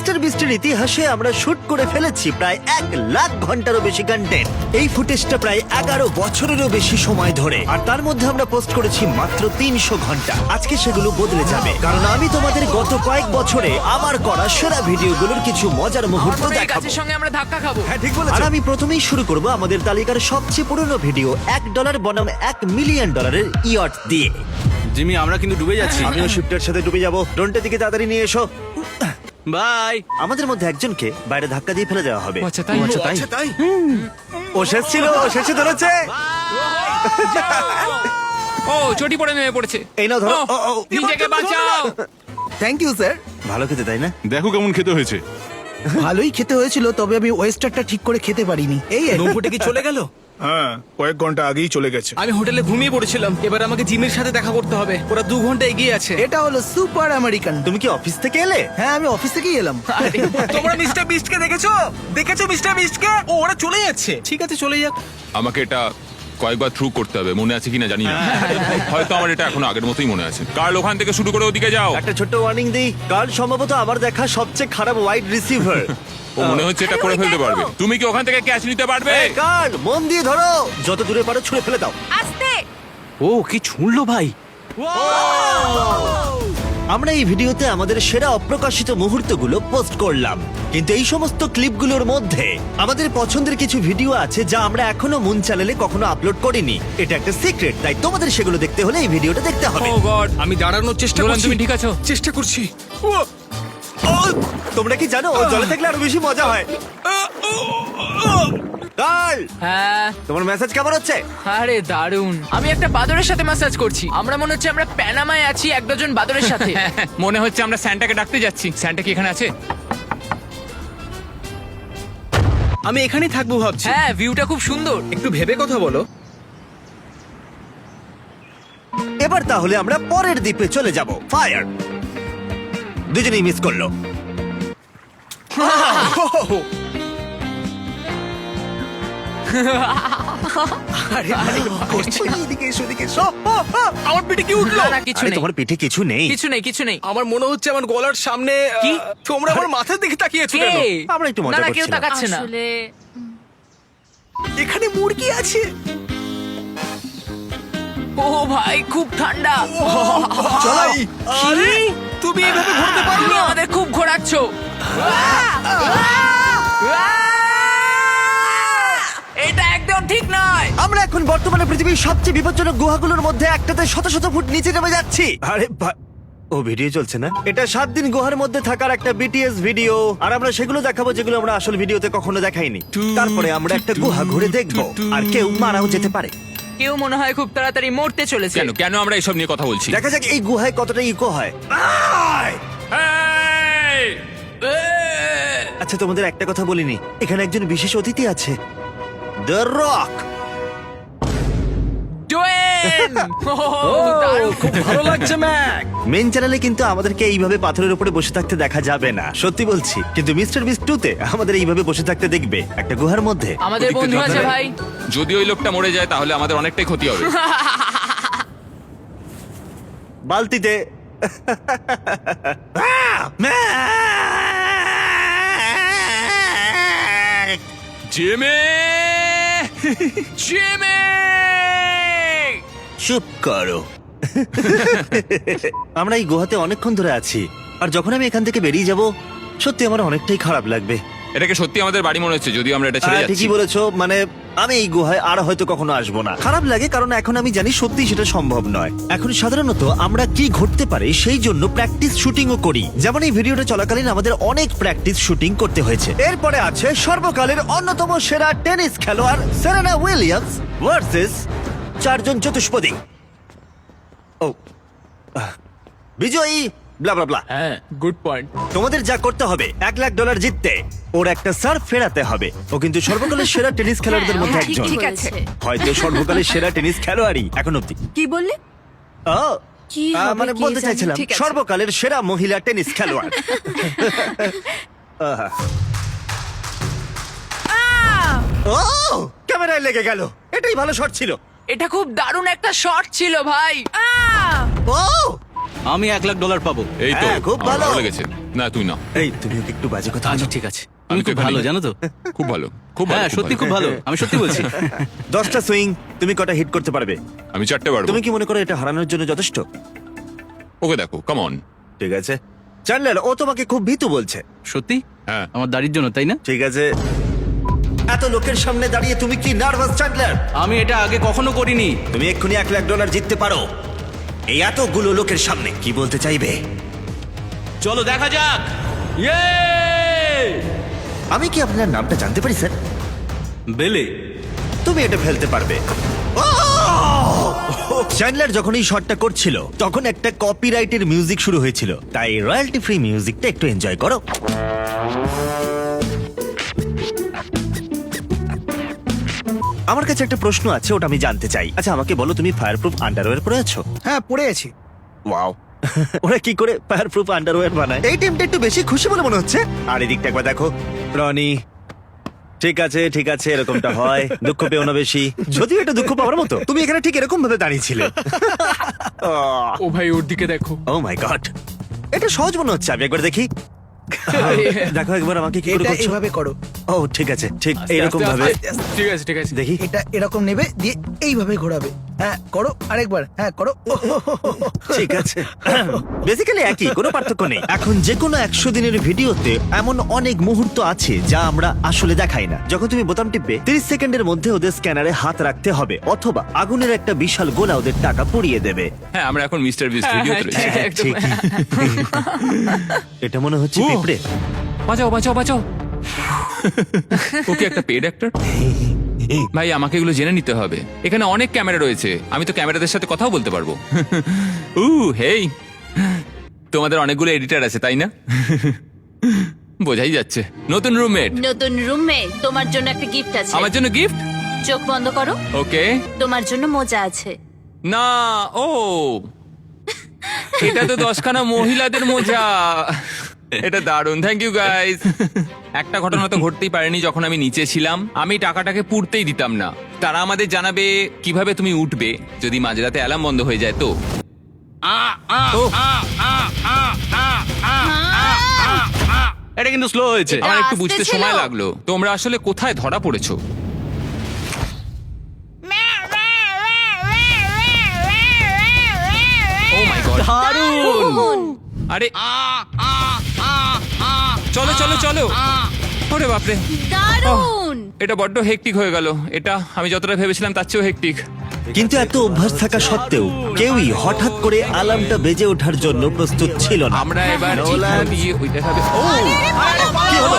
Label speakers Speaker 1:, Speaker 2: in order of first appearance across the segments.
Speaker 1: Mister বিস্টের ইতিহাসে আমরা shoot করে ফেলেছি প্রায় 1,00,000 ঘন্টারও বেশি কন্টেন্ট। এই ফুটেজটা প্রায় 11 বছরেরও বেশি সময় ধরে, আর তার মধ্যে আমরা পোস্ট করেছি মাত্র 300 ঘন্টা। আজকে সেগুলো বদলে যাবে, কারণ আমি তোমাদের গত কয়েক বছরে আমার করা সেরা ভিডিওগুলোর কিছু মজার মুহূর্ত দেখাবো।
Speaker 2: গাছের সঙ্গে আমরা ধাক্কা খাবো।
Speaker 1: হ্যাঁ, ঠিক বলেছো। আর আমি প্রথমেই শুরু করব আমাদের তালিকার সবচেয়ে পুরনো ভিডিও, $1 বনাম $1 মিলিয়ন ইয়ট দিয়ে।
Speaker 3: জিমি, আমরা কিন্তু ডুবে যাচ্ছি।
Speaker 1: আমিও শিফটের সাথে ডুবে যাব। ড্রোনটা দিকে তাড়াতাড়ি নিয়ে এসো।
Speaker 3: বাই।
Speaker 1: আমাদের মধ্যে একজনকে বাইরে ধাক্কা দিয়ে ফেলে দেওয়া হবে।
Speaker 2: আচ্ছা তাই
Speaker 3: আচ্ছা তাই।
Speaker 1: ও শেষ ছিল, ও শেষে ধরেছে।
Speaker 2: ও চটি পড়ে নেমে পড়েছে।
Speaker 1: এই নাও ধরো। ও, ও,
Speaker 2: নিজেকে বাঁচাও।
Speaker 4: Thank you sir.
Speaker 1: ভালো খেতে, তাই না?
Speaker 5: দেখো কেমন খেতে হয়েছে।
Speaker 4: ভালোই খেতে হয়েছিল, তবে আমি ওয়েস্টারটা ঠিক করে খেতে পারিনি। এই আর কি।
Speaker 3: নৌকোটা কি চলে গেল?
Speaker 6: হ্যাঁ, কয়েক ঘন্টা আগেই চলে গেছে।
Speaker 3: আমি হোটেলে ঘুমিয়ে পড়েছিলাম। এবার আমাকে জিমের সাথে দেখা করতে হবে। ওরা 2 ঘন্টা এগিয়ে আছে।
Speaker 4: এটা হলো সুপার আমেরিকান।
Speaker 1: তুমি কি অফিস থেকে এলে?
Speaker 4: হ্যাঁ, আমি অফিস থেকেই এলাম।
Speaker 3: তোমরা মিস্টার বিস্টকে দেখেছো? মিস্টার বিস্টকে? ও, ওরা চলে যাচ্ছে। ঠিক আছে, চলে যাক।
Speaker 5: আমাকে এটা কয়েকবার থ্রু করতে হবে, মনে আছে কিনা জানি না। হয়তো আমার এটা এখনো আগের মতোই মনে আছে। কার্ল, ওখান থেকে শুরু করে ওদিকে যাও।
Speaker 1: একটা ছোট্ট ওয়ার্নিং দিই, কাল সম্ভবত আমার দেখা সবচেয়ে খারাপ ওয়াইড রিসিভার।
Speaker 5: ও মনে হচ্ছে এটা করে ফেলতে পারবে। তুমি কি ওখান থেকে ক্যাচ নিতে পারবে?
Speaker 1: কাল, মন দিয়ে ধরো, যত দূরে পারো ছুঁড়ে ফেলে দাও।
Speaker 2: আস্তে।
Speaker 3: ও কি ছুঁড়লো ভাই!
Speaker 1: আমরা এই ভিডিওতে আমাদের সেরা অপ্রকাশিত মুহূর্তগুলো পোস্ট করলাম, কিন্তু এই সমস্ত ক্লিপগুলোর মধ্যে আমাদের পছন্দের কিছু ভিডিও আছে যা আমরা এখনো মুন চ্যানেলে কখনো আপলোড করিনি। এটা একটা সিক্রেট, তাই তোমাদের সেগুলো দেখতে হলে এই ভিডিওটা দেখতে হবে।
Speaker 2: Oh God.
Speaker 3: আমি দাঁড়ানোর চেষ্টা
Speaker 2: নোলান,
Speaker 3: করছি।
Speaker 2: তুমি ঠিক আছো?
Speaker 3: চেষ্টা করছি।
Speaker 1: ও, তোমরা কি জানো ও জলে থাকলে আরো বেশি মজা হয়? কাল,
Speaker 2: হ্যাঁ।
Speaker 1: তোমার মেসেজ কেমন হচ্ছে?
Speaker 2: আরে দারুন। আমি একটা বাদরের সাথে ম্যাসাজ করছি। আমরা মনে হচ্ছে আমরা প্যানামায় আছি এক ডজন বাদরের সাথে। মনে হচ্ছে আমরা স্যান্টাকে ডাকতে যাচ্ছি। স্যান্টা কি এখানে আছে?
Speaker 3: আমি এখানেই থাকবো ভাবছি।
Speaker 2: হ্যাঁ, ভিউটা খুব সুন্দর।
Speaker 3: একটু ভেবে কথা বলো।
Speaker 1: এবার তাহলে আমরা পরের দ্বীপে চলে যাব। ফায়ার। দুজনেই মিস করলো।
Speaker 4: এদিকে এসো, এদিকে এসো।
Speaker 3: আমার পিঠে কি উঠলো?
Speaker 2: না, না, কিছু
Speaker 1: আরে,
Speaker 2: নেই।
Speaker 1: তোমার পিঠে কিছু নেই।
Speaker 2: কিছু নেই, কিছু নেই।
Speaker 3: আমার মনে হচ্ছে আমার গলার সামনে
Speaker 2: কি?
Speaker 3: তোমরা আমার মাথার দিকে তাকিয়েছো
Speaker 2: কে?
Speaker 3: কেন?
Speaker 1: আমরা একটু মজা
Speaker 2: না, না, কেউ
Speaker 1: করছিলাম।
Speaker 2: তাকাচ্ছে না।
Speaker 7: আসলে
Speaker 3: এখানে মুরগি আছে।
Speaker 2: ও ভাই, খুব ঠান্ডা।
Speaker 3: চলো। আরে, তুমি এইভাবে ঘুরতে পারো
Speaker 2: তুমি
Speaker 3: না।
Speaker 2: আমাদের খুব ঘোরাচ্ছ। এটা একদম ঠিক নয়।
Speaker 1: আমরা এখন বর্তমানে পৃথিবীর সবচেয়ে বিপজ্জনক গুহাগুলোর মধ্যে একটাতে শত শত ফুট নিচে নেমে যাচ্ছি। আরে ও ভিডিও চলছে না? এটা 7 দিন গুহার মধ্যে থাকার একটা বিটিএস ভিডিও, আর আমরা সেগুলো দেখাবো যেগুলো আমরা আসল ভিডিওতে কখনো দেখাইনি। তারপরে আমরা একটা গুহা ঘুরে দেখবো, আর কেউ মারাও যেতে পারে।
Speaker 2: কেউ মনে হয় খুব তাড়াতাড়ি মরতে চলেছে।
Speaker 5: কেন কেন আমরা এসব নিয়ে কথা বলছি?
Speaker 1: দেখা যাক এই গুহায় কতটা ইকো হয়।
Speaker 5: এই!
Speaker 1: আচ্ছা, তোমাদের একটা কথা বলিনি, এখানে একজন বিশেষ অতিথি আছে, দ্য রক।
Speaker 2: ডোয়েন! দারুণ।
Speaker 3: খুব ভালো লাগছে ম্যাক।
Speaker 1: মেন চ্যানেলে কিন্তু আমাদেরকে এইভাবে পাথরের উপরে বসে থাকতে দেখা যাবে না, সত্যি বলছি। কিন্তু মিস্টার বিস্ট 2-তে আমাদের এইভাবে বসে থাকতে দেখবে একটা গুহার মধ্যে।
Speaker 2: আমাদের বন্ধু আছে ভাই।
Speaker 5: যদি ওই লোকটা মরে যায় তাহলে আমাদের অনেকটাই ক্ষতি হবে।
Speaker 1: বালতিতে।
Speaker 5: জিমি!
Speaker 2: জিমি!
Speaker 1: চুপ করো। আমরা এই গুহাতে অনেকক্ষণ ধরে আছি, আর যখন আমি এখান থেকে বেরিয়ে যাব, সত্যি আমার অনেকটাই খারাপ লাগবে।
Speaker 5: এটাকে সত্যি আমাদের বাড়ি মনে হচ্ছে, যদিও আমরা এটা ছেড়ে যাচ্ছি।
Speaker 1: ঠিকই বলেছো, মানে আমি এই গুহায় আর হয়তো কখনো আসবো না। খারাপ লাগে কারণ এখন আমি জানি সত্যি সেটা সম্ভব নয়। এখন সাধারণত আমরা কি ঘটতে পারে সেই জন্য প্র্যাকটিস শুটিংও করি, যেমন এই ভিডিওটা চলাকালীন আমাদের অনেক প্র্যাকটিস শুটিং করতে হয়েছে। এরপরে আছে সর্বকালের অন্যতম সেরা টেনিস খেলোয়াড় সেরেনা উইলিয়ামস ভার্সেস 4 জন চতুষ্পদী। ও বিজয়ী ব্লা ব্লা ব্লা।
Speaker 2: হ্যাঁ, গুড পয়েন্ট।
Speaker 1: তোমাদের যা করতে হবে, $1,00,000 জিততে ওর একটা সার্ভ ফেরাতে হবে। ও কিন্তু সর্বকালের সেরা টেনিস খেলোয়াড়দের মধ্যে
Speaker 7: হ্যাঁ,
Speaker 1: একজন,
Speaker 7: ঠিক আছে।
Speaker 1: হয়তো সর্বকালের সেরা টেনিস খেলোয়াড়ই এখন অব্দি।
Speaker 7: কি বললে?
Speaker 1: ও,
Speaker 7: কি হবে
Speaker 1: মানে
Speaker 7: কে
Speaker 1: বলতে
Speaker 7: জানে?
Speaker 1: চাইছিলাম
Speaker 7: ঠিক আছে।
Speaker 1: সর্বকালের সেরা মহিলা টেনিস খেলোয়াড়। আহা। ও, ক্যামেরায় লেগে গেল। এটাই ভালো শট ছিল।
Speaker 2: এটা খুব দারুণ একটা শট ছিল ভাই।
Speaker 1: ও,
Speaker 7: আমি $1,00,000 পাবো।
Speaker 5: এই তো
Speaker 1: হ্যাঁ, খুব
Speaker 5: আমার
Speaker 1: ভালো।
Speaker 5: ভালো লেগেছে। না তুই না,
Speaker 1: এই তুমি ওকে একটু বাজে কথা
Speaker 7: আচ্ছা
Speaker 1: বলো।
Speaker 7: ঠিক আছে,
Speaker 5: আমি
Speaker 7: তুমি
Speaker 5: তো
Speaker 7: খুব ভালো
Speaker 5: এখানেই।
Speaker 7: জানো তো।
Speaker 5: খুব ভালো, খুব ভালো,
Speaker 7: হ্যাঁ সত্যি খুব ভালো, আমি সত্যি বলছি।
Speaker 1: 10টা সুইং, তুমি কটা হিট করতে পারবে?
Speaker 5: আমি 4টে পারবো।
Speaker 1: তুমি কি মনে করো এটা হারানোর জন্য যথেষ্ট?
Speaker 5: ওকে দেখো, কাম অন।
Speaker 1: ঠিক আছে চ্যান্ডলার, ও তোমাকে খুব ভীতু বলছে।
Speaker 7: সত্যি?
Speaker 5: হ্যাঁ।
Speaker 7: আমার দাড়ির জন্য, তাই না?
Speaker 1: ঠিক আছে, এত লোকের সামনে দাঁড়িয়ে তুমি কি নার্ভাস চ্যান্ডলার?
Speaker 7: আমি এটা আগে কখনো করিনি।
Speaker 1: তুমি এক্ষুনি $1,00,000 জিততে পারো এই এতগুলো লোকের সামনে। কি বলতে চাইবে?
Speaker 7: চলো দেখা যাক। ইয়ে!
Speaker 1: আমি কি আপনার নামটা জানতে পারি স্যার?
Speaker 7: বেলে।
Speaker 1: তুমি এটা ফেলতে পারবে। চ্যান্ডলার যখন এই শটটা করছিল তখন একটা কপিরাইটের মিউজিক শুরু হয়েছিল, তাই রয়্যালটি ফ্রি মিউজিকটা একটু এনজয় করো। আমার কাছে একটা প্রশ্ন আছে, ওটা আমি জানতে চাই। আচ্ছা আমাকে বলো, তুমি ফায়ারপ্রুফ আন্ডারওয়্যার পরে আছো?
Speaker 4: হ্যাঁ পড়ে আছি।
Speaker 1: ওয়াও, ওরা কি করে ফায়ারপ্রুফ আন্ডারওয়্যার বানায়? এই টিমটা একটু বেশি খুশি বলে মনে হচ্ছে। আর এদিকটা একবার দেখো, রনি। ঠিক আছে ঠিক আছে, এরকমটা হয়, দুঃখ পেও না বেশি। যদিও এটা দুঃখ পাওয়ার মতো, তুমি এখানে ঠিক এরকম ভাবে দাঁড়িয়েছিলে।
Speaker 2: ও ভাই ওর দিকে দেখো।
Speaker 1: ও মাই গড, এটা সহজ মনে হচ্ছে। আমি একবার দেখি। দেখো একবার আমাকে কি করে
Speaker 4: এটা
Speaker 1: করছো।
Speaker 4: এভাবে করো,
Speaker 1: ও ঠিক আছে, ঠিক এইরকম
Speaker 2: আস্তে,
Speaker 1: ভাবে।
Speaker 2: আস্তে, আস্তে। ঠিক আছে ঠিক আছে।
Speaker 1: দেখি।
Speaker 4: এটা এরকম নেবে দিয়ে এইভাবে ঘোরাবে। হ্যাঁ করো আরেকবার, হ্যাঁ করো।
Speaker 1: ঠিক আছে, বেসিক্যালি একই, কোনো পার্থক্য নেই। এখন যে কোনো 100 দিনের ভিডিওতে এমন অনেক মুহূর্ত আছে যা আমরা আসলে দেখাই না। যখন তুমি বোতাম টিপবে 30 সেকেন্ডের মধ্যে ওদের স্ক্যানারে হাত রাখতে হবে, অথবা আগুনের একটা বিশাল গোলা ওদের টাকা পুড়িয়ে দেবে।
Speaker 5: হ্যাঁ, আমরা এখন মিস্টার বিস্ট
Speaker 2: হ্যাঁ,
Speaker 5: ভিডিওতে
Speaker 2: হ্যাঁ,
Speaker 5: রয়েছি।
Speaker 2: একদম।
Speaker 1: ঠিকই। এটা মনে হচ্ছে পিঁপড়ে।
Speaker 2: বাঁচাও বাঁচাও বাঁচাও।
Speaker 5: ওকে একটা পেড অ্যাক্টর। ভাই আমাকে এগুলো জেনে নিতে হবে। এখানে অনেক ক্যামেরা রয়েছে, আমি তো ক্যামেরাদের সাথে কথাও বলতে পারবো। হেই, তোমাদের অনেকগুলো এডিটর আছে তাই না? বোঝাই যাচ্ছে। নতুন রুমমেট,
Speaker 8: নতুন রুমে তোমার জন্য একটা গিফট আছে।
Speaker 5: আমার জন্য গিফট।
Speaker 8: চোখ বন্ধ করো,
Speaker 5: ওকে।
Speaker 8: তোমার জন্য মোজা আছে।
Speaker 5: না, ও এটা তো 10খানা মহিলাদের মোজা। এটা দারুণ, থ্যাংক ইউ গাইস। একটা ঘটনা তো ঘটতেই পারেনি। যখন আমি নিচে ছিলাম, আমি টাকাটাকে পুড়তেই দিতাম না। তারা আমাদের জানাবে কিভাবে তুমি উঠবে যদি মাঝরাতে অ্যালার্ম বন্ধ হয়ে যায়। তো
Speaker 7: এটা কিন্তু স্লো হয়েছে।
Speaker 8: এটা
Speaker 5: আমার একটু
Speaker 8: আস্তে
Speaker 5: বুঝতে
Speaker 8: ছিল।
Speaker 5: সময় লাগলো। তোমরা আসলে কোথায় ধরা পড়েছো? ও মাই গড,
Speaker 7: দারুণ।
Speaker 5: আরে চলো চলো চলো। ওরে বাপরে,
Speaker 8: দারুণ।
Speaker 5: এটা বড্ড হেকটিক হয়ে গেল। এটা আমি যতটা ভেবেছিলাম তার চেয়েও হেকটিক।
Speaker 1: কিন্তু এত অভ্যাস থাকা সত্ত্বেও কেউই হঠাৎ করে আলার্মটা বেজে ওঠার জন্য প্রস্তুত ছিল না।
Speaker 5: আমরা এবার
Speaker 1: নোলান।
Speaker 5: এখান দিয়ে ওইটা খাবে। ও
Speaker 1: কি হলো?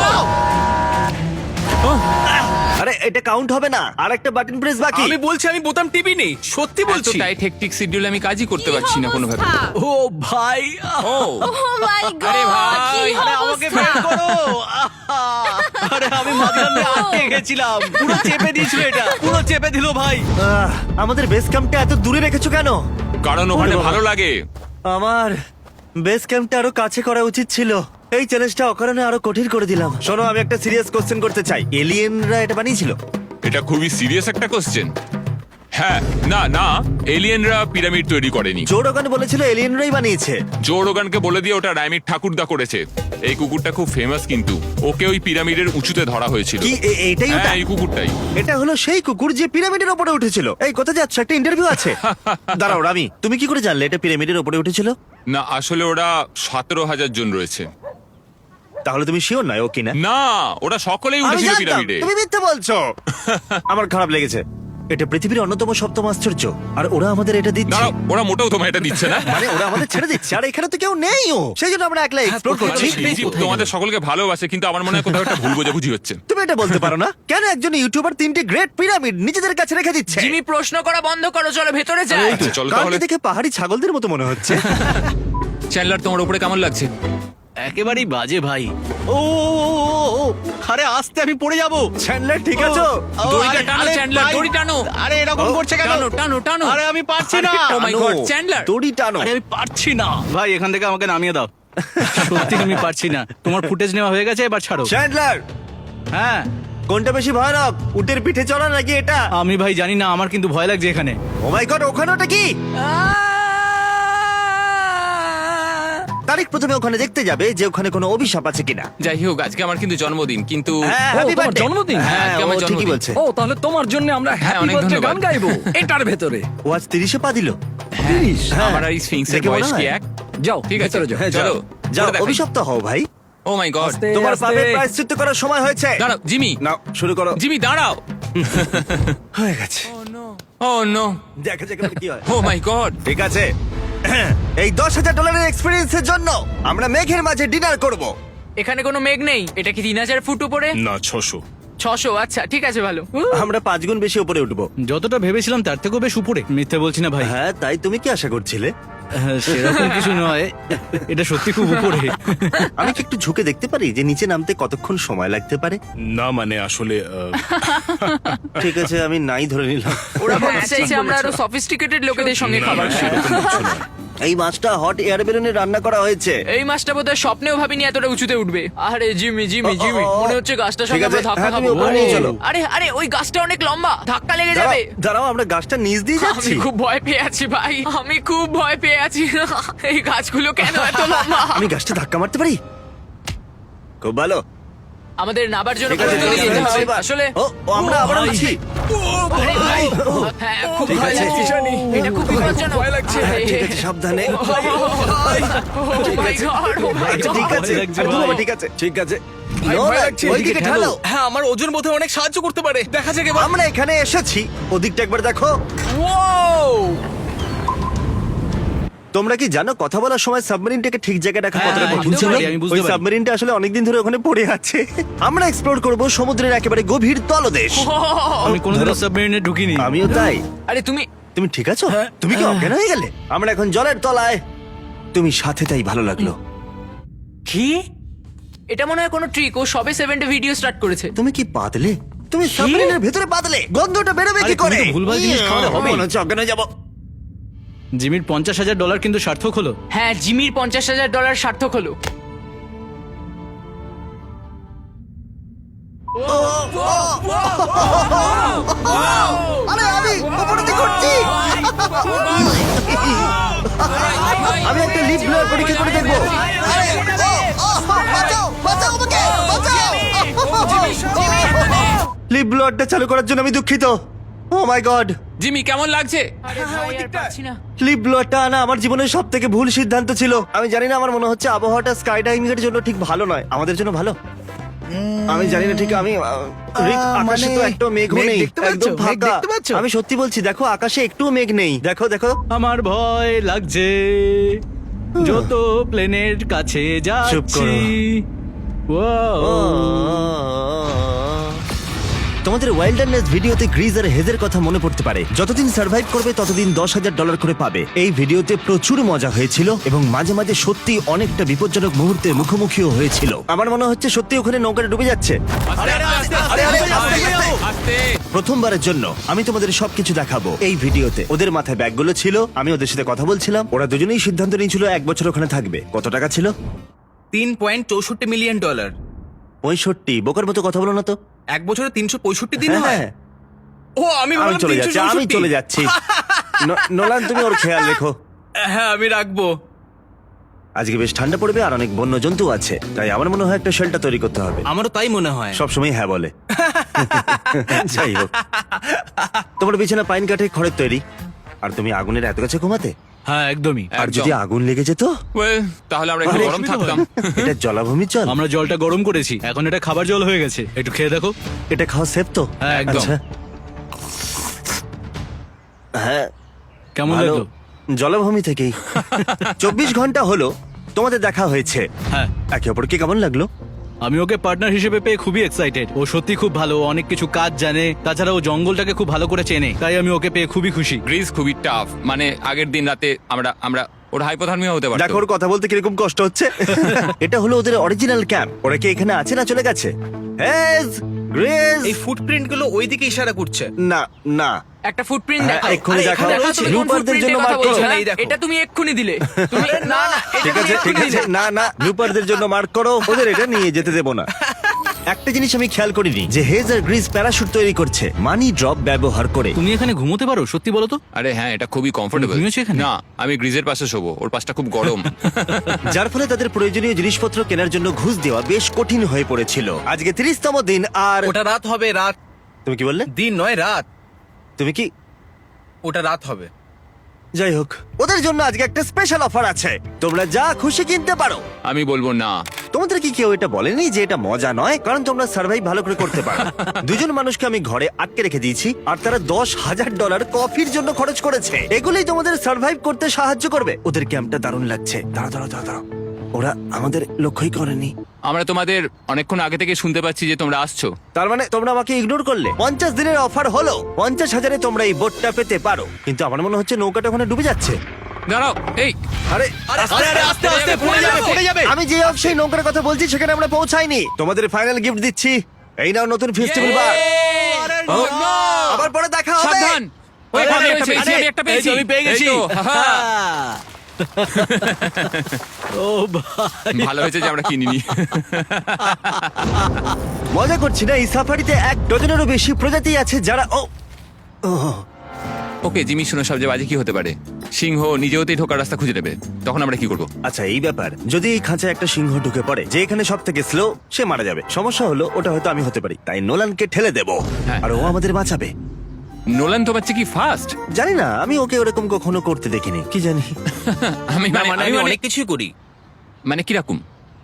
Speaker 1: আরে এটা কাউন্ট হবে না, আর একটা বাটন প্রেস বাকি।
Speaker 3: আমি বলছি আমি বোতাম টিপি নেই, সত্যি
Speaker 5: এত
Speaker 3: বলছি।
Speaker 5: টাইট হেকটিক শিডিউল আমি কাজই করতে পারছি না কোনোভাবে।
Speaker 7: ও ভাই,
Speaker 5: ও
Speaker 8: ও মাই গড,
Speaker 5: আরে ভাই,
Speaker 8: কি
Speaker 7: আরে আমাকে
Speaker 8: অবস্থা।
Speaker 7: বের করো। আরে আমি মাঝখানে আটকে গেছিলাম, পুরো চেপে দিয়েছিল, এটা পুরো চেপে দিল ভাই।
Speaker 1: আমাদের বেস ক্যাম্পটা এত দূরে রেখেছো কেন?
Speaker 5: কারণ ওখানে
Speaker 1: ওরে বাবা।
Speaker 5: ভালো লাগে।
Speaker 1: আমার বেস ক্যাম্পটা আরো কাছে করা উচিত ছিল। এই চ্যালেঞ্জটা অকারণে আরো কঠিন করে দিলাম। শোনো, আমি একটা সিরিয়াস কোশ্চেন করতে চাই। এলিয়েনরা এটা বানিয়েছিল?
Speaker 5: এটা খুবই সিরিয়াস একটা কোশ্চেন। হ্যাঁ, না না, এলিয়েনরা পিরামিড তৈরি করেনি।
Speaker 1: জো রোগান বলেছিল এলিয়েনরাই বানিয়েছে।
Speaker 5: জো রোগানকে বলে দিয়ে ওটা রাইমির ঠাকুরদা করেছে। এই কুকুরটা খুব ফেমাস, কিন্তু ওকে ওই পিরামিডের উঁচুতে ধরা হয়েছিল।
Speaker 1: কি এইটাই ওটা?
Speaker 5: হ্যাঁ, এই কুকুরটাই।
Speaker 1: এটা হলো সেই কুকুর যে পিরামিডের উপরে উঠেছিল। এই কোথায় যাচ্ছ? একটা ইন্টারভিউ আছে। দাঁড়াও রামি, তুমি কি করে জানলে এটা পিরামিডের উপরে উঠেছিল?
Speaker 5: না, আসলে ওরা 17,000 জন রয়েছে।
Speaker 1: তাহলে তুমি শিওর নয় ও কিনা?
Speaker 5: না, ওরা সকলেই
Speaker 1: আমি
Speaker 5: উঠেছিল
Speaker 1: জানতাম,
Speaker 5: পিরামিডে।
Speaker 1: তুমি মিথ্যে বলছো। আমার খারাপ লেগেছে। এটা পৃথিবীর অন্যতম সপ্তম আশ্চর্য, আর ওরা আমাদের এটা দিচ্ছে।
Speaker 5: দাঁড়াও, ওরা মোটেও তোমায় এটা দিচ্ছে না।
Speaker 1: মানে ওরা আমাদের ছেড়ে দিচ্ছে, আর এখানে তো কেউ নেই। ও সেই জন্য আমরা একলা এক্সপ্লোর করছি।
Speaker 5: ইজিপ্ট তোমাদের সকলকে ভালোবাসে, কিন্তু আমার মনে হয় কোথাও একটা ভুল বোঝাবুঝি হচ্ছে।
Speaker 1: তুমি এটা বলতে পারো না? কেন একজন ইউটিউবার 3টে গ্রেট পিরামিড নিজেদের কাছে রেখে দিচ্ছে?
Speaker 2: জিমি প্রশ্ন করা বন্ধ করো, চলো ভেতরে যাই।
Speaker 5: আচ্ছা, চলো
Speaker 1: কালকে
Speaker 5: তাহলে।
Speaker 1: দেখে পাহাড়ি ছাগলদের মতো মনে হচ্ছে।
Speaker 5: চ্যান্ডলার, তোমার উপরে কেমন লাগছে?
Speaker 7: একেবারেই বাজে ভাই। ও, আরে আস্তে, আমি পড়ে যাবো।
Speaker 1: চ্যান্ডলার ঠিক আছো?
Speaker 2: দড়িটা টানো, চ্যান্ডলার, দড়ি টানো।
Speaker 7: আরে এরকম করছে কেন?
Speaker 2: টানো টানো টানো।
Speaker 7: আরে আমি পারছি না।
Speaker 2: Oh my God, Chandler.
Speaker 1: দড়ি টানো।
Speaker 7: আরে আমি পারছি না ভাই, এখান থেকে আমাকে নামিয়ে দাও। সত্যি আমি পারছি না। তোমার ফুটেজ নেওয়া হয়ে গেছে, এবার ছাড়ো।
Speaker 1: চ্যান্ডলার,
Speaker 7: হ্যাঁ,
Speaker 1: কোনটা বেশি ভয়ানক, উটের পিঠে চড়া নাকি এটা?
Speaker 7: আমি ভাই জানি না, আমার কিন্তু ভয় লাগছে এখানে।
Speaker 1: ও মাই গড, ওখানে ওটা কি? তারিখ প্রথমে ওখানে দেখতে যাবে যে ওখানে কোনো অভিশাপ আছে কিনা।
Speaker 5: যাই হোক, আজকে আমার কিন্তু জন্মদিন, কিন্তু
Speaker 1: হ্যাঁ,
Speaker 9: ও,
Speaker 1: happy
Speaker 9: তোমার
Speaker 1: birthday।
Speaker 9: জন্মদিন?
Speaker 1: হ্যাঁ,
Speaker 5: আজকে
Speaker 1: ও
Speaker 5: আমার
Speaker 1: ঠিকই
Speaker 5: জন্মদিন।
Speaker 1: বলছে।
Speaker 9: ও তাহলে তোমার জন্য আমরা হ্যাপি
Speaker 5: অনেক
Speaker 9: বার্থডে গান
Speaker 5: ধন্যবাদ।
Speaker 9: গাইবো এটার ভেতরে।
Speaker 1: ও আজ 30-এ পা দিল।
Speaker 9: 30
Speaker 1: হ্যাঁ,
Speaker 5: আমার আর এই স্ফিংসের
Speaker 1: দেখে মনে
Speaker 5: বয়স কি
Speaker 1: হয়।
Speaker 5: এক?
Speaker 9: যাও
Speaker 5: ঠিক আছে,
Speaker 9: ভেতরে যাও।
Speaker 1: হ্যাঁ,
Speaker 5: চলো
Speaker 1: যাও,
Speaker 5: করে দেখাই।
Speaker 1: অভিশপ্ত হও ভাই।
Speaker 5: ও মাই গড,
Speaker 9: আস্তে,
Speaker 1: তোমার
Speaker 9: আস্তে।
Speaker 1: পাপের প্রায়শ্চিত্ত করার সময় হয়েছে।
Speaker 5: দাঁড়াও জিমি,
Speaker 1: নাও শুরু করো।
Speaker 5: জিমি দাঁড়াও।
Speaker 1: হয়ে গেছে,
Speaker 5: ও নো,
Speaker 1: দেখা যাক এবার কি হয়।
Speaker 5: Oh my God.
Speaker 1: ঠিক আছে, এই $10,000 এক্সপেরিয়েন্সের জন্য আমরা মেঘের মাঝে ডিনার করব।
Speaker 2: এখানে কোনো মেঘ নেই। এটা কি 3000 ফুট উপরে?
Speaker 6: না 600।
Speaker 2: 600, আচ্ছা ঠিক আছে, ভালো।
Speaker 1: আমরা 5 গুণ বেশি উপরে উঠবো।
Speaker 4: যতটা ভেবেছিলাম তার থেকেও বেশ উপরে। মিথ্যে বলছি না ভাই,
Speaker 1: হ্যাঁ, তাই তুমি কি আশা করছিলে?
Speaker 4: সেরকম কিছু নয়, এটা সত্যি খুব উপরে।
Speaker 1: আমি কি একটু ঝুঁকে দেখতে পারি যে নিচে নামতে কতক্ষণ সময় লাগতে পারে?
Speaker 6: না মানে আসলে
Speaker 1: ঠিক আছে, আমি নাই ধরে নিলাম।
Speaker 2: ওরা বলতে চাইছে আমরা আরো সফিস্টিকেটেড লোকেদের সঙ্গে খাবার খাই।
Speaker 6: সেরকম কিছু নয়।
Speaker 1: এই মাছটা হট এয়ার বেলুনে রান্না করা হয়েছে।
Speaker 2: এই মাছটা বোধহয় স্বপ্নেও ভাবিনি এতটা উঁচুতে উঠবে। আরে জিমি জিমি জিমি, মনে হচ্ছে গাছটার
Speaker 1: ঠিক
Speaker 2: সঙ্গে
Speaker 1: আছে,
Speaker 2: আমরা ধাক্কা
Speaker 1: হ্যাঁ, তুমি
Speaker 2: খাবো।
Speaker 1: ওপরে নিয়ে চলো।
Speaker 2: আরে আরে, ওই গাছটা অনেক লম্বা, ধাক্কা লেগে
Speaker 1: দাঁড়াও,
Speaker 2: যাবে।
Speaker 1: দাঁড়াও, আমরা গাছটা নিচ দিয়ে যাচ্ছি।
Speaker 2: আমি খুব ভয় পেয়ে আছি ভাই, আমি খুব ভয় পেয়ে আছি। এই গাছগুলো কেন এত লম্বা?
Speaker 1: আমি গাছটা ধাক্কা মারতে পারি? খুব ভালো।
Speaker 2: আমাদের নাবার জন্য
Speaker 1: ঠিক আছে,
Speaker 2: প্রস্তুতি
Speaker 1: ঠিক
Speaker 2: নিতে
Speaker 1: আছে,
Speaker 2: হবে।
Speaker 1: এবার।
Speaker 2: আসলে
Speaker 1: ও আমরা আবার উঠছি।
Speaker 2: আরে ভাই, হ্যাঁ খুব
Speaker 1: ঠিক
Speaker 2: ভয়
Speaker 1: আছে।
Speaker 2: লাগছে। এটা খুব বিপজ্জনক। ভয় লাগছে।
Speaker 1: ঠিক আছে, সাবধানে। আচ্ছা, ঠিক আছে, আরে বাবা, ঠিক আছে, ঠিক আছে। নোলান, ওইদিকে ঢালো।
Speaker 3: হ্যাঁ, আমার ওজন বোধহয় অনেক সাহায্য করতে পারে। দেখা যাক এবার।
Speaker 1: আমরা এখানে এসেছি, ওদিকটা একবার দেখো। তোমরা কি জানো কথা বলার সময় সাবমেরিনটাকে ঠিক জায়গায় রাখা কতটা
Speaker 4: হ্যাঁ,
Speaker 1: কঠিন
Speaker 4: বুঝতে
Speaker 1: ছিল?
Speaker 4: পারি, আমি বুঝতে
Speaker 1: ওই
Speaker 4: পারি।
Speaker 1: সাবমেরিনটা আসলে অনেকদিন ধরে ওখানে পড়ে আছে। আমরা এক্সপ্লোর করব সমুদ্রের একেবারে গভীর তলদেশ।
Speaker 4: আমি কোনোদিনও সাবমেরিনে ঢুকিনি।
Speaker 1: আমিও তাই।
Speaker 2: আরে তুমি
Speaker 1: তুমি ঠিক আছো? তুমি কি অজ্ঞান হয়ে গেলে? আমরা এখন জলের তলায়। তুমি সাথে, তাই ভালো লাগলো।
Speaker 2: কি? এটা মনে হয় কোনো ট্রিক। ও সবে 7 ভিডিও স্টার্ট করেছে।
Speaker 1: তুমি কি পাতলে? তুমি সাবমেরিনের ভেতরে পাতলে? গন্ধটা বেরোবে
Speaker 4: আরে
Speaker 1: কি করে?
Speaker 4: তুমি তো ভুলভাল জিনিস খাওয়ালে হবেই।
Speaker 1: মনে হচ্ছে অজ্ঞান হয়ে যাবো।
Speaker 4: জিমির $50,000 কিন্তু সার্থক হলো।
Speaker 2: হ্যাঁ, জিমির $50,000 সার্থক হলো।
Speaker 1: আরে আমি উপরে দিকে উঠছি। আমি একটা লিফট ব্লোয়ার পরীক্ষা করে দেখবো। আরে, বাঁচাও, বাঁচাও আমাকে, বাঁচাও। লিফট ব্লোয়ারটা চালু করার জন্য আমি দুঃখিত। ও মাই গড,
Speaker 5: জিমি কেমন লাগছে?
Speaker 2: আরে ভাই, আর পারছি না।
Speaker 1: লিফট ব্লোয়ারটা আনা আমার জীবনের সব থেকে ভুল সিদ্ধান্ত ছিল। আমি জানি না, আমার মনে হচ্ছে আবহাওয়াটা স্কাই ডাইভিং এর জন্য ঠিক ভালো নয়। আমাদের জন্য ভালো? আমি জানি না ঠিক। আমি রিক, আকাশে তো একটা মেঘ
Speaker 4: মেঘ
Speaker 1: নেই,
Speaker 4: দেখতে পাচ্ছো?
Speaker 1: একদম
Speaker 4: মেঘ
Speaker 1: ফাঁকা।
Speaker 4: দেখতে পাচ্ছো?
Speaker 1: আমি সত্যি বলছি, দেখো আকাশে একটুও মেঘ নেই। দেখো দেখো।
Speaker 4: আমার ভয় লাগছে যত প্লেনের কাছে
Speaker 1: চুপ
Speaker 4: যাচ্ছি।
Speaker 1: করো।
Speaker 4: ও
Speaker 1: তোমাদের ওয়াইল্ডারনেস ভিডিওতে গ্রিজ আর হেজের কথা মনে পড়তে পারে। যতদিন সার্ভাইভ করবে ততদিন $10,000 করে পাবে। এই ভিডিওতে প্রচুর মজা হয়েছিল এবং মাঝে মাঝে সত্যি অনেকটা বিপজ্জনক মুহূর্তের মুখোমুখিও হয়েছিল। আমার মনে হচ্ছে সত্যি ওখানে নৌকাটা ডুবে যাচ্ছে। আরে,
Speaker 5: আস্তে।
Speaker 1: প্রথমবারের জন্য আমি তোমাদের সবকিছু দেখাবো এই ভিডিওতে। ওদের মাথায় ব্যাগগুলো ছিল, আমি ওদের সাথে কথা বলছিলাম। ওরা দুজনেই সিদ্ধান্ত নিয়েছিল 1 বছর ওখানে থাকবে। কত টাকা ছিল?
Speaker 3: $3.64 মিলিয়ন।
Speaker 1: 65। বোকার মতো কথা বলো না তো।
Speaker 3: এক বছরে 365 দিন হয়।
Speaker 1: হ্যাঁ,
Speaker 3: ও আমি
Speaker 1: আমি
Speaker 3: ভাবলাম
Speaker 1: চলে যাচ্ছি, আমি
Speaker 3: 364।
Speaker 1: চলে যাচ্ছি। নোলান, তুমি ওর খেয়াল রেখো।
Speaker 3: হ্যাঁ, আমি রাখবো।
Speaker 1: আজকে বেশ ঠান্ডা পড়বে আর অনেক বন্য জন্তু আছে, তাই আমার মনে হয় একটা শেল্টার তৈরি করতে হবে।
Speaker 3: আমারও তাই মনে হয়।
Speaker 1: সবসময় হ্যাঁ বলে। যাই হোক, তোমার বিছানা পাইন কাঠে খড়ের তৈরি, আর তুমি আগুনের এত কাছে ঘুমাতে।
Speaker 4: হ্যাঁ একদমই।
Speaker 1: আর যদি আগুন লেগে যেত?
Speaker 5: Well, তাহলে আমরা একটু
Speaker 1: আরে,
Speaker 5: গরম থাকতাম।
Speaker 1: এটা জলাভূমির জল।
Speaker 4: আমরা জলটা গরম করেছি, এখন এটা খাবার জল হয়ে গেছে। একটু খেয়ে দেখো।
Speaker 1: এটা খাওয়া সেফ তো?
Speaker 4: হ্যাঁ, একদম।
Speaker 1: আচ্ছা। হ্যাঁ,
Speaker 4: কেমন
Speaker 1: ভালো।
Speaker 4: লাগলো?
Speaker 1: জলাভূমি থেকেই। 24 ঘন্টা হলো তোমাদের দেখা হয়েছে।
Speaker 4: হ্যাঁ,
Speaker 1: একে অপরকে কেমন লাগলো?
Speaker 4: আমি ওকে পার্টনার হিসেবে পেয়ে খুবই এক্সাইটেড। ও সত্যি খুব ভালো, ও অনেক কিছু কাজ জানে, তাছাড়া ও জঙ্গলটাকে খুব ভালো করে চেনে, তাই আমি ওকে পেয়ে খুবই খুশি।
Speaker 5: গ্রিজ খুবই টাফ, মানে আগের দিন রাতে আমরা ওর হাইপোথার্মিয়া হতে পারতো।
Speaker 1: দেখো ওর কথা বলতে কিরকম কষ্ট হচ্ছে। এটা হলো ওদের অরিজিনাল ক্যাম্প। ওরা কি এখানে আছে না চলে গেছে? Hedge, grace.
Speaker 3: এই ফুটপ্রিন্ট গুলো ওইদিকে ইশারা করছে।
Speaker 1: না না,
Speaker 2: একটা ফুটপ্রিন্ট
Speaker 1: হ্যাঁ,
Speaker 2: দেখাও।
Speaker 1: এক্ষুনি
Speaker 2: আরে,
Speaker 1: দেখাও।
Speaker 2: দেখাও তুমি কোন
Speaker 1: লুপারদের
Speaker 2: footprint
Speaker 1: জন্য
Speaker 2: এর কথা
Speaker 1: mark
Speaker 2: বলছো,
Speaker 1: করো।
Speaker 2: হ্যাঁ?
Speaker 3: এই দেখো।
Speaker 2: এটা তুমি এক্ষুনি দিলে। তুমি না না, এটা
Speaker 1: ঠিক
Speaker 2: তুমি
Speaker 1: আছে ঠিক
Speaker 2: এক্ষুনি
Speaker 1: আছে,
Speaker 2: দিলে।
Speaker 1: না না, ব্লুপারদের জন্য মার্ক করো। ওদের এটা নিয়ে যেতে দেবো না। একটা জিনিস আমি খেয়াল করিনি যে হেজ আর গ্রিস প্যারাশুট তৈরি করছে মানি ড্রপ ব্যবহার করে।
Speaker 4: তুমি এখানে ঘুমোতে পারো সত্যি বলো তো?
Speaker 5: আরে হ্যাঁ, এটা খুবই কমফোর্টেবল।
Speaker 4: তুমি ঘুমিয়েছো এখানে?
Speaker 5: না, আমি গ্রিজের পাশে শোবো, ওর পাশটা খুব গরম।
Speaker 1: যার ফলে তাদের প্রয়োজনীয় জিনিসপত্র কেনার জন্য ঘুষ দেওয়া বেশ কঠিন হয়ে পড়েছিল। আজকে 30তম দিন। আর
Speaker 3: ওটা রাত হবে, রাত।
Speaker 1: তুমি কি বললে?
Speaker 3: দিন নয়, রাত।
Speaker 1: তুমি কি?
Speaker 3: ওটা রাত হবে।
Speaker 1: যাই হোক, ওদের জন্য আজকে একটা স্পেশাল অফার আছে, তোমরা যা খুশি কিনতে পারো।
Speaker 5: আমি বলবো না।
Speaker 1: তোমাদের কি কেউ এটা বলেনি যে এটা মজা নয়? কারণ তোমরা সার্ভাইভ ভালো করে করতে পারো। দুজন মানুষকে আমি ঘরে আটকে রেখে দিয়েছি আর তারা $10,000 কফির জন্য খরচ করেছে। এগুলোই তোমাদের সার্ভাইভ করতে সাহায্য করবে। ওদের ক্যাম্পটা দারুণ লাগছে। দাঁড়াও, ওরা আমাদের লক্ষ্যই করেনি।
Speaker 5: আমরা তোমাদের অনেকক্ষণ আগে থেকে শুনতে পাচ্ছি যে তোমরা আসছো।
Speaker 1: তার মানে তোমরা আমাকে ইগনোর করলে। 50 দিনের অফার হলো, 50,000-এ তোমরা এই বোটটা পেতে পারো। কিন্তু আমার মনে হচ্ছে নৌকাটা ওখানে ডুবে যাচ্ছে।
Speaker 5: দাঁড়াও, এই
Speaker 1: আরে
Speaker 3: আস্তে আস্তে পড়ে যাবে।
Speaker 1: আমি যে সেই নৌকার কথা বলছি সেখানে আমরা পৌঁছাইনি। তোমাদের ফাইনাল গিফট দিচ্ছি, এই নাও নতুন ফেস্টিভ্যাল বার। আবার পরে দেখা হবে।
Speaker 5: সাবধান। ওই, আমি একটা পেয়েছি, আমি একটা পেয়েছি।
Speaker 4: আমি পেয়ে গেছি।
Speaker 5: এই তো, হাহা।
Speaker 4: ও ভাই,
Speaker 5: ভালো হয়েছে যে আমরা কিনিনি।
Speaker 1: মজা করছি না, এই সাফারিতে 1 ডজনেরও বেশি প্রজাতি আছে যারা
Speaker 5: ওকে জিমি, শুনো, সবচেয়ে বাজে কি হতে পারে? সিংহ নিজে হতেই ঢোকার রাস্তা খুঁজে নেবে, তখন আমরা কি করবো?
Speaker 1: আচ্ছা এই ব্যাপার, যদি এই খাঁচায় একটা সিংহ ঢুকে পড়ে যে এখানে সব থেকে স্লো, সে মারা যাবে। সমস্যা হলো ওটা হয়তো আমি হতে পারি, তাই নোলানকে ঠেলে দেবো
Speaker 5: হ্যাঁ।
Speaker 1: আর ও আমাদের বাঁচাবে।
Speaker 5: নোলান তো বাচ্চা কি ফাস্ট?
Speaker 1: জানি না, আমি ওকে ওরকম কখনো করতে দেখিনি, কি জানি।
Speaker 5: আমি
Speaker 3: আমি অনেক কিছুই করি।
Speaker 5: মানে কিরকম?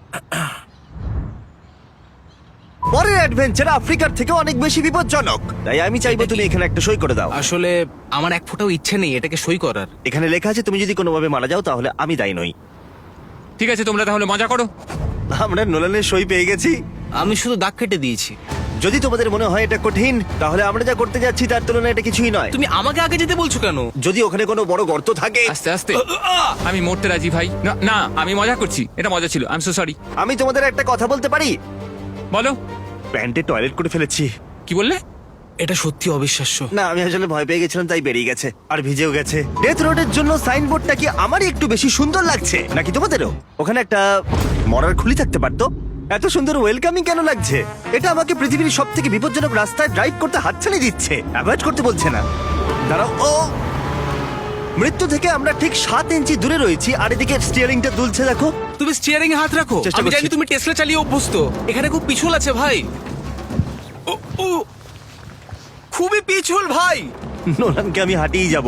Speaker 1: পরের অ্যাডভেঞ্চার আফ্রিকার থেকে অনেক বেশি বিপজ্জনক, তাই আমি চাইবো তুমি এখানে একটা সই করে দাও।
Speaker 3: আসলে আমার এক ফোঁটাও ইচ্ছে নেই এটাকে সই করার।
Speaker 1: এখানে লেখা আছে তুমি যদি কোনোভাবে মারা যাও তাহলে আমি দায়ী নই।
Speaker 5: ঠিক আছে, তোমরা তাহলে মজা করো।
Speaker 1: আমরা নোলানের সই পেয়ে গেছি।
Speaker 3: আমি শুধু দাগ কেটে দিয়েছি।
Speaker 1: যদি তোমাদের মনে হয় এটা কঠিন, তাহলে আমরা যা করতে যাচ্ছি তার তুলনায় এটা কিছুই নয়।
Speaker 3: তুমি আমাকে আগে যেতে বলছো কেন?
Speaker 1: যদি ওখানে কোনো বড় গর্ত থাকে।
Speaker 5: আস্তে আস্তে। আমি মরতে রাজি ভাই। না না, আমি মজা করছি, এটা মজা ছিল। I am so sorry.
Speaker 1: আমি তোমাদের একটা কথা বলতে পারি?
Speaker 5: বলো।
Speaker 1: প্যান্টে টয়লেট করে ফেলেছি।
Speaker 5: কি বললে?
Speaker 3: এটা সত্যি অবিশ্বাস্য।
Speaker 1: না, আমি আসলে ভয় পেয়ে গেছিলাম তাই বেরিয়ে গেছে আর ভিজেও গেছে। ডেথ রোডের জন্য সাইনবোর্ডটা কি আমারই একটু বেশি সুন্দর লাগছে নাকি তোমাদেরও? ওখানে একটা মরার খুলি থাকতে পারতো। এত সুন্দর ওয়েলকামিং কেন লাগছে? এটা আমাকে পৃথিবীর সব থেকে বিপজ্জনক রাস্তায় ড্রাইভ করতে হাতছানি দিচ্ছে, অ্যাভয়েড করতে বলছে না। দাঁড়াও, ও মৃত্যু থেকে আমরা ঠিক 7 ইঞ্চি দূরে রয়েছি আর এদিকে স্টিয়ারিংটা দুলছে দেখো।
Speaker 3: তুমি স্টিয়ারিং এ হাত রাখো।
Speaker 1: চেষ্টা
Speaker 3: আমি
Speaker 1: করছি।
Speaker 3: জানি তুমি টেসলা চালিয়ে অভ্যস্ত। এখানে খুব পিছল আছে ভাই। ও, ও, খুবই পিছল ভাই।
Speaker 1: নোলানকে আমি হাঁটিয়ে যাব।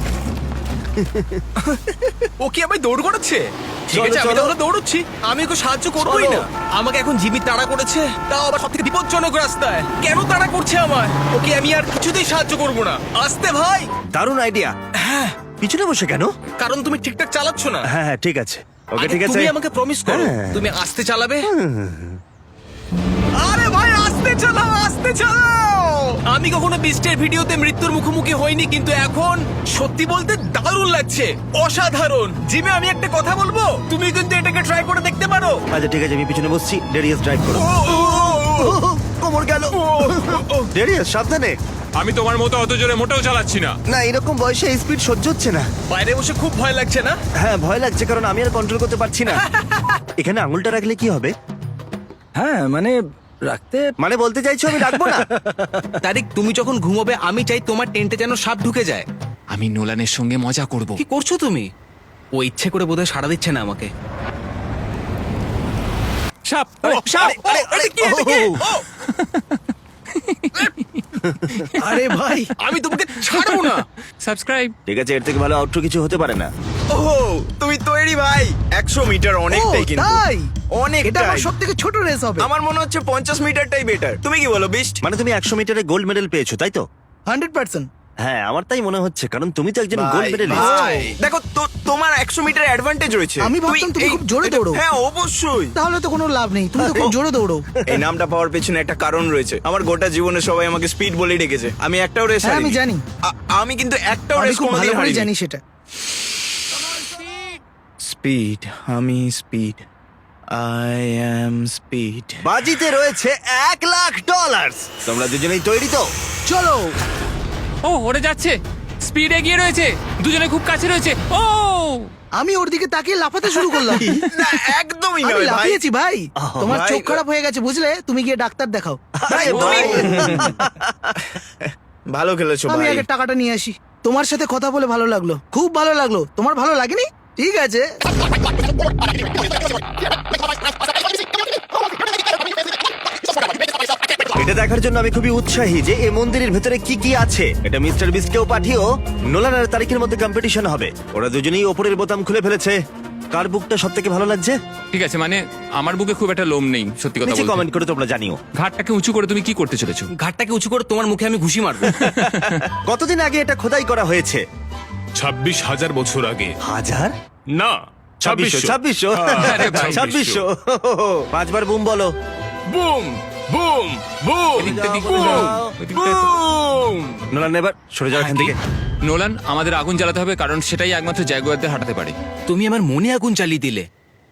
Speaker 3: ও কি আমায় দৌড় করাচ্ছে? ঠিক
Speaker 1: চলো,
Speaker 3: আছে, আমি
Speaker 1: চলো।
Speaker 3: তাহলে দৌড়চ্ছি। আমি ওকে সাহায্য করবোই
Speaker 1: চলো।
Speaker 3: না। আমাকে এখন জিমি তাড়া করেছে, তাও আবার সবথেকে বিপজ্জনক রাস্তায়। কেন তাড়া করছে আমায়? ওকে আমি আর কিছুতেই সাহায্য করব না। আস্তে ভাই।
Speaker 1: দারুণ আইডিয়া।
Speaker 3: হ্যাঁ,
Speaker 1: পিছনে বসে কেন?
Speaker 3: কারণ তুমি ঠিকঠাক চালাচ্ছ না।
Speaker 1: হ্যাঁ হ্যাঁ, ঠিক আছে। ওকে
Speaker 3: আগে
Speaker 1: ঠিক আছে।
Speaker 3: তুমি আমাকে প্রমিস করো
Speaker 1: হ্যাঁ।
Speaker 3: তুমি আস্তে চালাবে। আরে ভাই, আস্তে চালাও, আস্তে চালাও। আমি কখনো বিস্টের ভিডিওতে মৃত্যুর মুখোমুখি হইনি, কিন্তু এখন সত্যি বলতে দারুণ লাগছে, অসাধারণ। জিমে আমি একটা কথা বলবো, তুমি কিন্তু এটাকে ট্রাই করে দেখতে পারো।
Speaker 1: আচ্ছা ঠিক আছে, আমি পিছনে বসছি, ডেরিয়াস ড্রাইভ করো।
Speaker 3: ও, ও, ও, ও।
Speaker 1: কোমর গেল। ডেরিয়াস সাবধানে।
Speaker 5: আমি তোমার মতো অত জোরে মোটেও চালাচ্ছি না।
Speaker 1: না, এরকম বয়সে এই স্পিড সহ্য হচ্ছে না।
Speaker 3: বাইরে বসে খুব ভয় লাগছে না?
Speaker 1: হ্যাঁ ভয় লাগছে, কারণ আমি আর কন্ট্রোল করতে পারছি না। এখানে আঙুলটা রাখলে কি হবে?
Speaker 9: হ্যাঁ মানে রাখতে
Speaker 1: মানে বলতে চাইছো আমি রাখবো না?
Speaker 3: তারিক, তুমি যখন ঘুমোবে আমি চাই তোমার টেন্টে যেন সাপ ঢুকে যায়।
Speaker 5: আমি নোলানের সঙ্গে মজা করব।
Speaker 3: কি করছো তুমি? ও ইচ্ছে করে বোধহয় সাড়া দিচ্ছে না আমাকে।
Speaker 5: সাপ।
Speaker 1: সাপ! আরে, আরে,
Speaker 3: কি এদিকে?
Speaker 1: ও!
Speaker 3: ও!
Speaker 9: আরে ভাই
Speaker 3: আমি তোমাকে ছাড়বো না।
Speaker 5: সাবস্ক্রাইব।
Speaker 1: ঠিক আছে, এর থেকে ভালো আউটরো কিছু হতে পারে না।
Speaker 10: ও তুমি তৈরি ভাই? 100 মিটার অনেকটাই, কিন্তু
Speaker 9: তাই
Speaker 10: অনেকটাই।
Speaker 9: এটা আমার সবথেকে ছোট রেস হবে।
Speaker 10: আমার মনে হচ্ছে 50 মিটারটাই বেটার। তুমি কি বলো বিস্ট?
Speaker 1: মানে তুমি 100 মিটারে গোল্ড মেডেল পেয়েছো তাই তো?
Speaker 9: 100%।
Speaker 1: হ্যাঁ, আমার তাই মনে হচ্ছে, কারণ তুমি তো একজন গোল্ড মেডেলিস্ট।
Speaker 10: ভাই, দেখো তোমার 100 মিটার অ্যাডভান্টেজ রয়েছে।
Speaker 9: আমি ভাবতাম তুমি খুব জোরে দৌড়ো।
Speaker 10: হ্যাঁ অবশ্যই।
Speaker 9: তাহলে তো কোনো লাভ নেই, তুমি তো খুব জোরে দৌড়ো।
Speaker 10: এই নামটা পাওয়ার পেছনে একটা কারণ রয়েছে। আমার গোটা জীবনে সবাই আমাকে স্পিড বলেই ডেকেছে। আমি একটাও রেস
Speaker 9: হ্যাঁ, আমি জানি।
Speaker 10: আমি কিন্তু একটাও
Speaker 9: আমি
Speaker 10: রেস
Speaker 9: খুব ভালো
Speaker 10: কোনোদিন
Speaker 9: করে
Speaker 10: হারিনি।
Speaker 9: জানি সেটা।
Speaker 10: স্পিড, আমি স্পিড, আই অ্যাম স্পিড।
Speaker 1: বাজিতে রয়েছে $1,00,000। তোমরা দুজনেই তৈরি তো?
Speaker 9: চলো।
Speaker 5: ও, ওরে যাচ্ছে, স্পিড এগিয়ে রয়েছে, দুজনে খুব কাছে রয়েছে। ও
Speaker 9: আমি ওর দিকে তাকিয়ে লাফাতে শুরু করলাম।
Speaker 10: না একদমই
Speaker 9: আমি
Speaker 10: নয় ভাই
Speaker 9: লাফিয়েছি ভাই। তোমার
Speaker 10: ভাই।
Speaker 9: চোখ খারাপ হয়ে গেছে বুঝলে, তুমি গিয়ে ডাক্তার দেখাও।
Speaker 10: ভাই, ভালো খেলেছো
Speaker 9: আমি
Speaker 10: ভাই
Speaker 9: আগে টাকাটা নিয়ে আসি। তোমার সাথে কথা বলে ভালো লাগলো, খুব ভালো লাগলো। তোমার ভালো লাগেনি? ঠিক আছে।
Speaker 1: এটা দেখার জন্য আমি খুবই উৎসাহী যে এই মন্দিরের ভেতরে কি কি আছে। এটা মিস্টার বিস্টকেও পাঠিও। নোলান আর তারিখের মধ্যে কম্পিটিশন হবে। ওরা দুজনেই ওপরের বোতাম খুলে ফেলেছে। কার বুকটা সব থেকে ভালো লাগছে
Speaker 5: ঠিক আছে, মানে আমার বুকে খুব একটা লোম নেই, সত্যি কথা
Speaker 1: নিচে
Speaker 5: বলতে।
Speaker 1: কমেন্ট করে তোমরা জানিও।
Speaker 5: ঘাটটাকে উঁচু করে তুমি কি করতে চলেছো?
Speaker 3: ঘাটটাকে উঁচু করে তোমার মুখে আমি ঘুষি মারবো।
Speaker 1: কতদিন আগে এটা খোদাই করা হয়েছে?
Speaker 6: 26,000 বছর আগে।
Speaker 1: হাজার
Speaker 6: না,
Speaker 1: 2600
Speaker 6: 2600
Speaker 5: আরে ভাই,
Speaker 1: 2600 পাঁচবার বুম বলো।
Speaker 6: বুম বুম বুম
Speaker 5: এদিকটা দিক
Speaker 1: বুম,
Speaker 5: দাও, ওদিকটা দাও।
Speaker 6: বুম।
Speaker 1: নোলান এবার সরে যাও এখান থেকে।
Speaker 5: নোলান, আমাদের আগুন জ্বালাতে হবে, কারণ সেটাই একমাত্র জাগুয়ারদের হাঁটাতে পারে।
Speaker 3: তুমি আমার মনে আগুন জ্বালিয়ে দিলে।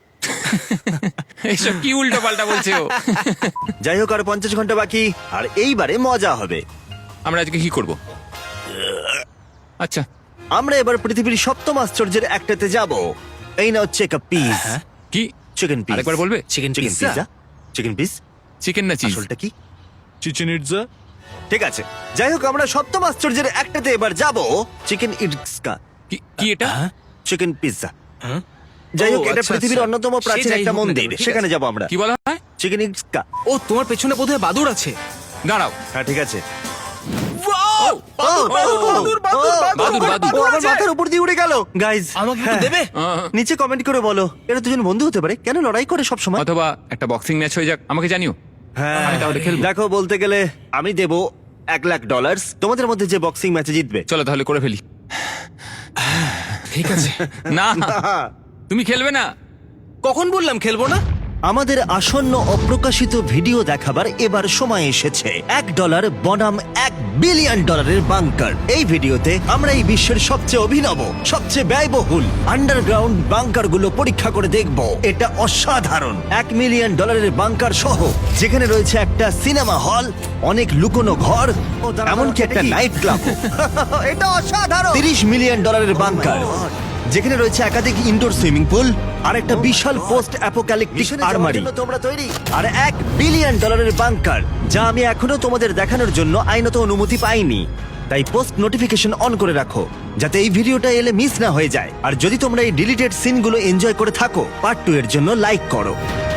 Speaker 5: এইসব কি উল্টো পাল্টা বলছে ও?
Speaker 1: যাই হোক, আর 50 ঘন্টা বাকি, আর এইবারে মজা হবে।
Speaker 5: আমরা আজকে কি করব? আচ্ছা,
Speaker 1: আমরা এবার পৃথিবীর সপ্তম আশ্চর্যের একটাতে যাব। এই নাও চেক আপ পিস।
Speaker 5: কি?
Speaker 1: Chicken piece.
Speaker 5: আরেকবার বলবে?
Speaker 1: Chicken pizza. Chicken piece
Speaker 5: chicken না চিজ?
Speaker 1: আসলটা কি?
Speaker 6: Chichen Itza.
Speaker 1: ঠিক আছে, যাই হোক, আমরা সপ্তম আশ্চর্যের একটাতে এবার যাব। চিকেন ইটসকা
Speaker 5: কি এটা?
Speaker 1: Chicken pizza. যাই হোক,
Speaker 3: ও,
Speaker 1: এটা
Speaker 3: আচ্ছা,
Speaker 1: পৃথিবীর
Speaker 3: আচ্ছা।
Speaker 1: অন্যতম প্রাচীন
Speaker 3: সে যাই
Speaker 1: একটা
Speaker 3: হোক না
Speaker 1: মন্দির,
Speaker 3: কেন, ঠিক
Speaker 1: সেখানে
Speaker 3: আছে।
Speaker 1: যাব আমরা।
Speaker 5: কি বলা হয়?
Speaker 1: চিকেন ইটসকা।
Speaker 3: ও, তোমার পেছনে বোধহয় বাদুড় আছে।
Speaker 5: দাঁড়াও।
Speaker 1: হ্যাঁ, ঠিক আছে।
Speaker 3: বাদুড়, বাদুড়, বাদুড়,
Speaker 5: বাদুড়, বাদুড়।
Speaker 1: ও আমার মাথার উপর দিয়ে উড়ে গেল। গাইজ,
Speaker 3: আমাকে একটু দেবে?
Speaker 1: নিচে কমেন্ট করে বলো এরা দুজন বন্ধু হতে পারে, কেন লড়াই করে সব সময়।
Speaker 5: অথবা একটা বক্সিং ম্যাচ হয়ে যাক, আমাকে জানিও। আমি তাহলে খেলবো।
Speaker 1: দেখো, বলতে গেলে আমি দেব $1,00,000 তোমাদের মধ্যে যে বক্সিং ম্যাচে জিতবে।
Speaker 5: চলো তাহলে করে ফেলি।
Speaker 3: ঠিক আছে।
Speaker 5: না, তুমি খেলবে না?
Speaker 3: কখন বললাম খেলবো না?
Speaker 1: আমাদের আসন্ন অপ্রকাশিত ভিডিও দেখাবার এবার সময় এসেছে। $1 বনাম $1 বিলিয়ন বাংকার। এই ভিডিওতে আমরা এই বিশ্বের সবচেয়ে অভিনব, সবচেয়ে ব্যয়বহুল আন্ডারগ্রাউন্ড বাংকার গুলো পরীক্ষা করে দেখব। এটা অসাধারণ। $1 মিলিয়ন বাংকার সহ, যেখানে রয়েছে একটা সিনেমা হল, অনেক লুকোনো ঘর, এমনকি একটা নাইট ক্লাব। এটা অসাধারণ। $30 মিলিয়ন বাংকার, যেখানে রয়েছে একাধিক ইনডোর সুইমিং পুল আর একটা বিশাল পোস্ট অ্যাপোক্যালিপটিক আর্মারি। তোমরা তৈরি? আর $1 বিলিয়ন বাংকার, যা আমি এখনো তোমাদের দেখানোর জন্য আইনত অনুমতি পাইনি। তাই পোস্ট নোটিফিকেশন অন করে রাখো, যাতে এই ভিডিওটা এলে মিস না হয়ে যায়। আর যদি তোমরা এই ডিলিটেড সিনগুলো এনজয় করে থাকো, পার্ট 2 এর জন্য লাইক করো।